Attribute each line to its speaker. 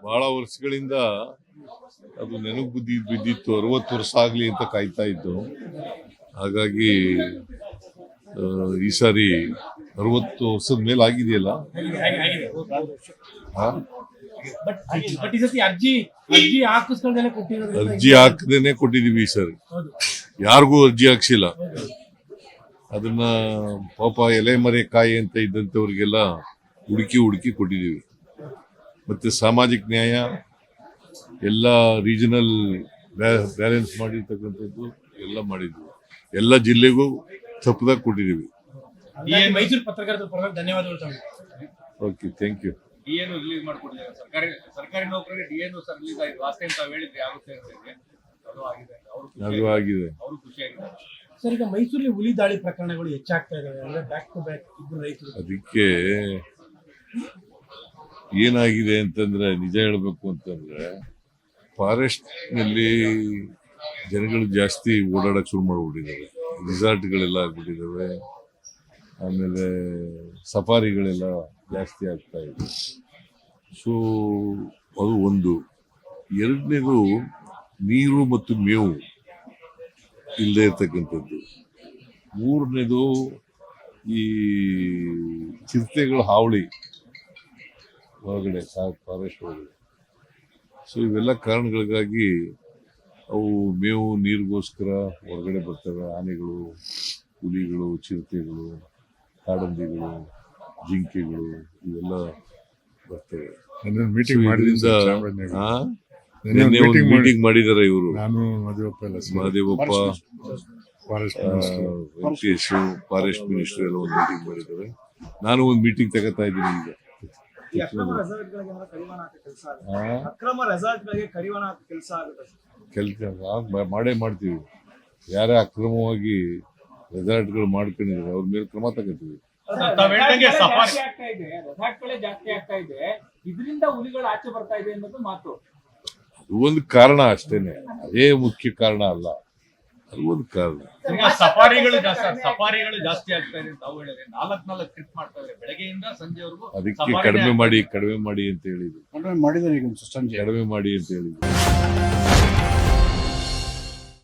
Speaker 1: ಬಹಳ ವರ್ಷಗಳಿಂದ ಅದು ನೆನಪು ಬಿದ್ದಿತ್ತು. 60 ವರ್ಷ ಆಗ್ಲಿ ಅಂತ ಕಾಯ್ತಾ ಇತ್ತು. ಹಾಗಾಗಿ ಈ ಸಾರಿ 60 ವರ್ಷದ ಮೇಲೆ ಆಗಿದೆಯಲ್ಲ. ಅರ್ಜಿ ಹಾಕದೇನೆ ಕೊಟ್ಟಿದೀವಿ ಈ ಸಾರಿ. ಯಾರಿಗೂ ಅರ್ಜಿ ಹಾಕ್ಸಿಲ್ಲ. ಅದನ್ನ ಪಾಪ ಎಲೆ ಮರೆ ಕಾಯಿ ಅಂತ ಇದ್ದಂಥವ್ರಿಗೆಲ್ಲ ಹುಡುಕಿ ಕೊಟ್ಟಿದ್ದೀವಿ. ಮತ್ತೆ ಸಾಮಾಜಿಕ ನ್ಯಾಯ ಎಲ್ಲ ರೀಜನಲ್ ಬ್ಯಾಲೆನ್ಸ್ ಮಾಡಿರ್ತಕ್ಕಂಥದ್ದು ಎಲ್ಲ ಮಾಡಿದ್ವಿ. ಎಲ್ಲ ಜಿಲ್ಲೆಗೂ ತಪ್ಪದಾಗ ಕೊಟ್ಟಿದ್ದೀವಿ.
Speaker 2: ಮೈಸೂರು ಪತ್ರಕರ್ತರ ಪರವಾಗಿ ಧನ್ಯವಾದಗಳು.
Speaker 1: Okay, thank you.
Speaker 3: ಡಿಎನು ರಿಲೀಸ್ ಮಾಡ್ಕೊಟ್ಟಿದ್ದಾರೆ. ಸರ್ಕಾರಿ ನೌಕರರಿಗೆ ಡಿಎನು ಸರ್ ರಿಲೀಸ್ ಆಗಿದೆ. ಲಾಸ್ಟ್ ಟೈಮ್ ತಾವು ಹೇಳಿದ್ರಿ ಆಗುತ್ತೆ ಅಂತ ಹೇಳಿ. ಅದು ಆಗಿದೆ. ಅವರು ಖುಷಿಯಾಗಿದ್ದಾರೆ.
Speaker 2: ಸರ್, ಈಗ ಮೈಸೂರಲ್ಲಿ ಹುಲಿ ದಾಳಿ ಪ್ರಕರಣಗಳು ಹೆಚ್ಚಾಗ್ತಾ ಇದಾವೆ. ಅಂದ್ರೆ ಬ್ಯಾಕ್ ಟು ಬ್ಯಾಕ್ ಇಬ್ಬರು ರೈತರು.
Speaker 1: ಅದಕ್ಕೆ ಏನಾಗಿದೆ ಅಂತಂದ್ರೆ, ನಿಜ ಹೇಳ್ಬೇಕು ಅಂತಂದ್ರೆ, ಫಾರೆಸ್ಟ್ ನಲ್ಲಿ ಜನಗಳು ಜಾಸ್ತಿ ಓಡಾಡಕ್ ಶುರು ಮಾಡ್ಬಿಟ್ಟಿದ್ದಾರೆ. ರಿಸಾರ್ಟ್ಗಳೆಲ್ಲ ಆಗ್ಬಿಟ್ಟಿದ್ದಾವೆ. ಆಮೇಲೆ ಸಫಾರಿಗಳೆಲ್ಲ ಜಾಸ್ತಿ ಆಗ್ತಾ ಇದೆ. ಸೊ ಅದು ಒಂದು. ಎರಡನೇದು, ನೀರು ಮತ್ತು ಮೇವು ಇಲ್ಲದೆ ಇರ್ತಕ್ಕಂಥದ್ದು. ಮೂರನೇದು, ಈ ಚಿರತೆಗಳ ಹಾವಳಿ ಹೊರಗಡೆ ಫಾರೆಸ್ಟ್ ಒಳಗಡೆ. ಸೊ ಇವೆಲ್ಲ ಕಾರಣಗಳಿಗಾಗಿ ಅವು ಮೇವು ನೀರಿಗೋಸ್ಕರ ಹೊರಗಡೆ ಬರ್ತವೆ. ಆನೆಗಳು, ಹುಲಿಗಳು, ಚಿರತೆಗಳು, ಕಾಡಂದಿಗಳು, ಜಿಂಕೆಗಳು ಇವೆಲ್ಲ ಬರ್ತವೆ.
Speaker 4: ಮೀಟಿಂಗ್
Speaker 1: ಮಾಡಿದ್ದಾರೆ ಇವರು. ಮಹದೇವಪ್ಪ, ವೆಂಕಟೇಶ್, ಫಾರೆಸ್ಟ್ ಮಿನಿಸ್ಟರ್ ಎಲ್ಲ ಒಂದು ಮೀಟಿಂಗ್ ಮಾಡಿದ್ದಾರೆ. ನಾನು ಒಂದು ಮೀಟಿಂಗ್ ತಗೋತಾ ಇದ್ದೀನಿ ಈಗ. ಕೆಲಸ ಮಾಡೇ ಮಾಡ್ತೀವಿ. ಯಾರೇ ಅಕ್ರಮವಾಗಿ ರೆಸಾರ್ಟ್ಗಳು ಮಾಡ್ಕೊಂಡಿದ್ದಾರೆ ಅವ್ರ ಮೇಲೆ ಕ್ರಮ ತಗೋತೀವಿ.
Speaker 3: ಇದರಿಂದ ಹುಲಿಗಳು ಆಚೆ ಬರ್ತಾ ಇದೆ ಅನ್ನೋದು ಮಾತು.
Speaker 1: ಅದು ಒಂದು ಕಾರಣ ಅಷ್ಟೇನೆ, ಅದೇ ಮುಖ್ಯ ಕಾರಣ ಅಲ್ಲ. ಅದು ಒಂದು ಕಾರಣ.
Speaker 3: ಸಫಾರಿಗಳು ಜಾಸ್ತಿ ಆಗ್ತಾ ಇದೆ ಅಂತ ಹೇಳಿದ್ರೆ 4 ಟ್ರಿಪ್ ಮಾಡ್ತಾ ಇದ್ದಾರೆ ಬೆಳಗ್ಗೆಯಿಂದ ಸಂಜೆವರೆಗೂ.
Speaker 1: ಅದಕ್ಕೆ ಕಡಿಮೆ ಮಾಡಿ ಅಂತ ಹೇಳಿದ್ರು.
Speaker 4: ಮಾಡಿದ್ದಾರೆ ಈಗ
Speaker 1: ಕಡಿಮೆ ಮಾಡಿ ಅಂತ ಹೇಳಿದ್ರು.